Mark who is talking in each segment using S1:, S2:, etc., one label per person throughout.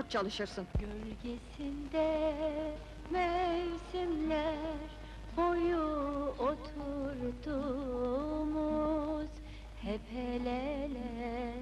S1: rahat çalışırsın.
S2: Gölgesinde mevsimler boyu oturduğumuz, hep el ele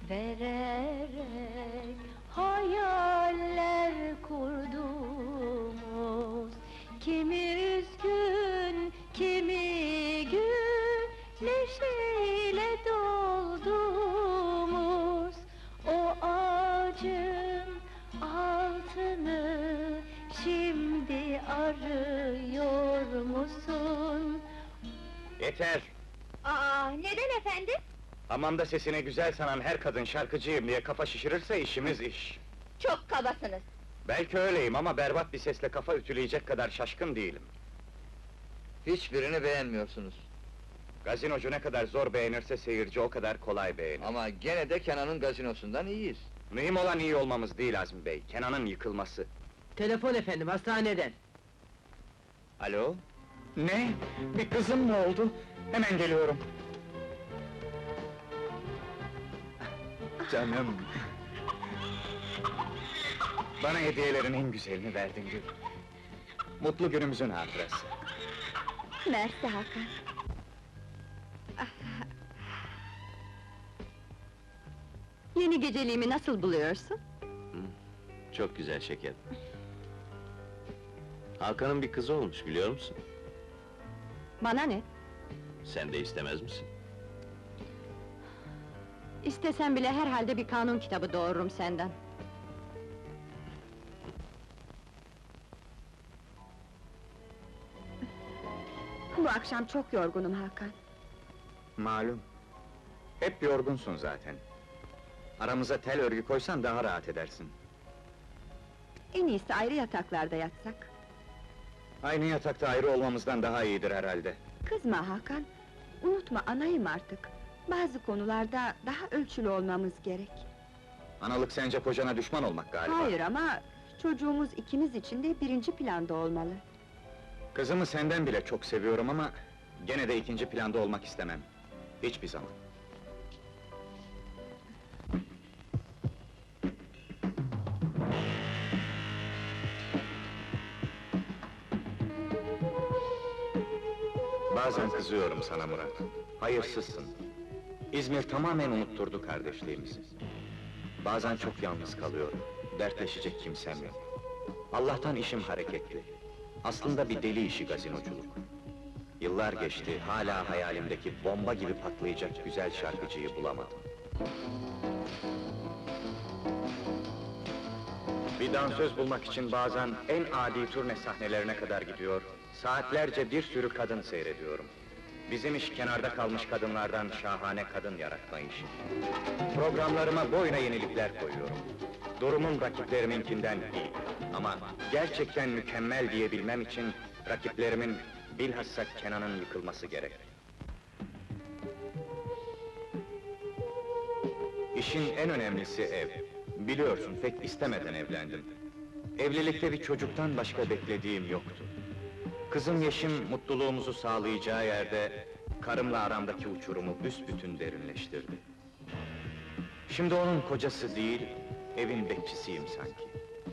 S2: vererek hayaller kurduğumuz, kimi üzgün, kimi gül neşeyle dolduğumuz o ağacın altını şimdi arıyor musun?
S3: Yeter!
S2: Neden efendim?
S3: Hamamda sesine güzel sanan her kadın şarkıcıyım diye kafa şişirirse işimiz iş.
S2: Çok kabasınız.
S3: Belki öyleyim ama berbat bir sesle kafa ütüleyecek kadar şaşkın değilim.
S4: Hiçbirini beğenmiyorsunuz.
S3: Gazinocu ne kadar zor beğenirse seyirci o kadar kolay beğenir.
S4: Ama gene de Kenan'ın gazinosundan iyiyiz.
S3: Mühim olan iyi olmamız değil Azmi Bey, Kenan'ın yıkılması.
S5: Telefon efendim, hastaneden.
S3: Alo? Ne? Bir kızım mı oldu? Hemen geliyorum. Canım! Bana hediyelerin en güzelini verdin Gül. Mutlu günümüzün hatırası.
S2: Mersi Hakan.
S1: Yeni geceliğimi nasıl buluyorsun?
S6: Çok güzel şeker. Hakan'ın bir kızı olmuş, biliyor musun?
S1: Bana ne?
S6: Sen de istemez misin?
S1: İstesem bile herhalde bir kanun kitabı doğururum senden. Bu akşam çok yorgunum Hakan.
S3: Malum. Hep yorgunsun zaten. Aramıza tel örgü koysan daha rahat edersin.
S1: En iyisi ayrı yataklarda yatsak.
S3: Aynı yatakta ayrı olmamızdan daha iyidir herhalde.
S7: Kızma Hakan, unutma anayım artık. Bazı konularda daha ölçülü olmamız gerek.
S3: Analık sence kocana düşman olmak galiba.
S7: Hayır ama çocuğumuz ikimiz için de birinci planda olmalı.
S3: Kızımı senden bile çok seviyorum ama gene de ikinci planda olmak istemem. Hiçbir zaman. Bazen kızıyorum sana Murat. Hayırsızsın. İzmir tamamen unutturdu kardeşliğimizi. Bazen çok yalnız kalıyorum. Dertleşecek kimsem yok. Allah'tan işim hareketli. Aslında bir deli işi gazinoculuk. Yıllar geçti, hala hayalimdeki bomba gibi patlayacak güzel şarkıcıyı bulamadım. Bir dansöz bulmak için bazen en adi turne sahnelerine kadar gidiyor, saatlerce bir sürü kadın seyrediyorum. Bizim iş kenarda kalmış kadınlardan şahane kadın yaratma işi. Programlarıma boyuna yenilikler koyuyorum. Durumum rakipleriminkinden iyi. Ama gerçekten mükemmel diyebilmem için rakiplerimin bilhassa Kenan'ın yıkılması gerek. İşin en önemlisi ev. Biliyorsun pek istemeden evlendim. Evlilikte bir çocuktan başka beklediğim yoktu. Kızım Yeşim mutluluğumuzu sağlayacağı yerde karımla aramdaki uçurumu büsbütün derinleştirdi. Şimdi onun kocası değil, evin bekçisiyim sanki.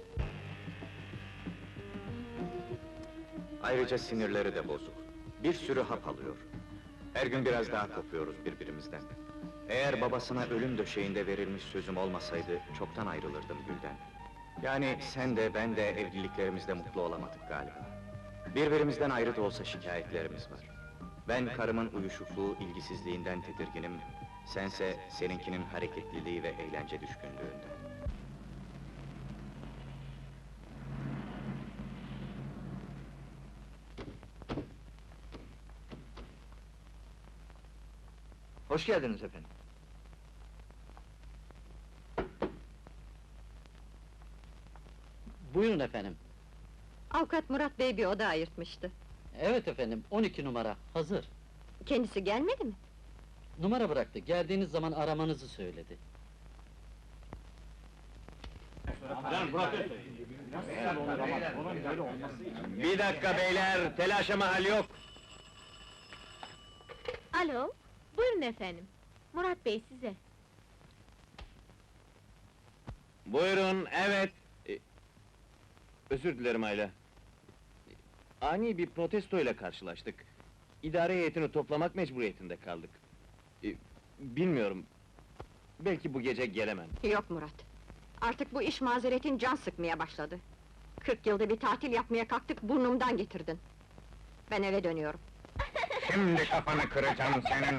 S3: Ayrıca sinirleri de bozuk. Bir sürü hap alıyor. Her gün biraz daha kopuyoruz birbirimizden. Eğer babasına ölüm döşeğinde verilmiş sözüm olmasaydı, çoktan ayrılırdım Gül'den. Yani sen de ben de evliliklerimizde mutlu olamadık galiba. Birbirimizden ayrı da olsa şikayetlerimiz var. Ben karımın uyuşukluğu, ilgisizliğinden tedirginim, sense seninkinin hareketliliği ve eğlence düşkünlüğünden.
S4: Hoş geldiniz efendim.
S5: Buyurun efendim.
S1: Avukat Murat Bey bir oda ayırtmıştı.
S5: Evet efendim, 12 numara, hazır.
S1: Kendisi gelmedi mi?
S5: Numara bıraktı, geldiğiniz zaman aramanızı söyledi.
S3: Bir dakika beyler, telaşa mahal yok!
S2: Alo, buyurun efendim. Murat Bey size.
S6: Buyurun, evet! Özür dilerim Ayla. Ani bir protestoyla karşılaştık. İdare heyetini toplamak mecburiyetinde kaldık. Bilmiyorum, belki bu gece gelemem.
S1: Yok Murat. Artık bu iş mazeretin can sıkmaya başladı. 40 yılda bir tatil yapmaya kalktık, burnumdan getirdin. Ben eve dönüyorum.
S3: Şimdi kafanı kıracağım senin!